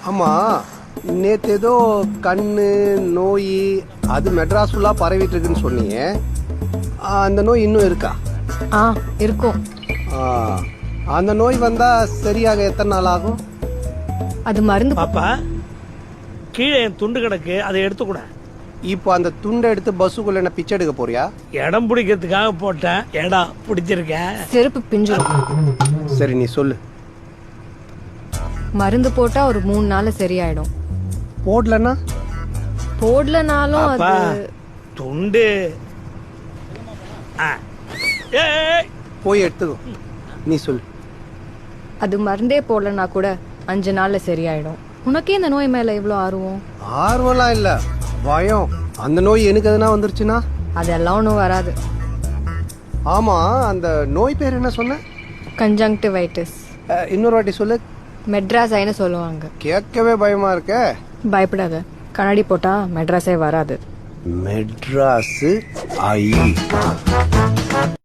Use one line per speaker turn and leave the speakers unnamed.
ஆமா, நேத்து ஏதோ கண்ணு நோய் அது மெட்ராஸ் ஃபுல்லா பரவிட்டு இருக்குன்னு சொன்னீங்க. அந்த நோய் இன்னும் இருக்கா?
ஆ இருக்கும்.
ஆ, அந்த நோய் வந்தா சரியாக எத்தனை நாள் ஆகும்?
அது மருந்து
பாப்பா கீழே என் துண்டு கிடக்கு, அதை எடுத்துக்கூட.
இப்போ அந்த துண்டை எடுத்து பஸ்ஸுக்குள்ள என்ன பிச்சை எடுக்க போறியா?
இடம் பிடிக்கிறதுக்காக போட்டேன். இடம் பிடிச்சிருக்கேன்.
செருப்பு பிஞ்சிரும்.
சரி, நீ சொல்லு.
மருந்து போட்டா ஒரு 3 நாள்ல சரியாயிடும்.
போடலன்னா?
போடலனாலும்
பாப்பா
அது
துண்டு ஆ. ஏய்,
போய் எடுத்துக்கோ. நீ சொல்லு.
அது மருந்தே போடலனா கூட 5 நாள்ல சரியாயிடும். உனக்கே இந்த நோய் மேல இவ்வளவு ஆர்வம்?
ஆர்வம்லாம் இல்ல, பயம். அந்த நோய் எனக்கு எதுனா வந்துருச்சுன்னா?
அதெல்லாம் ஒன்றும் வராது.
ஆமா, அந்த நோய் பேர் என்ன சொன்ன?
கன்ஜங்டிவைட்டிஸ்.
இன்னொரு வாட்டி சொல்லு.
மெட்ராஸ் ஐன்னு சொல்லுவாங்க.
கேட்கவே பயமா இருக்க.
பயப்படாத, கண்ணாடி போட்டா மெட்ராஸே வராது.
மெட்ராஸ் ஐ.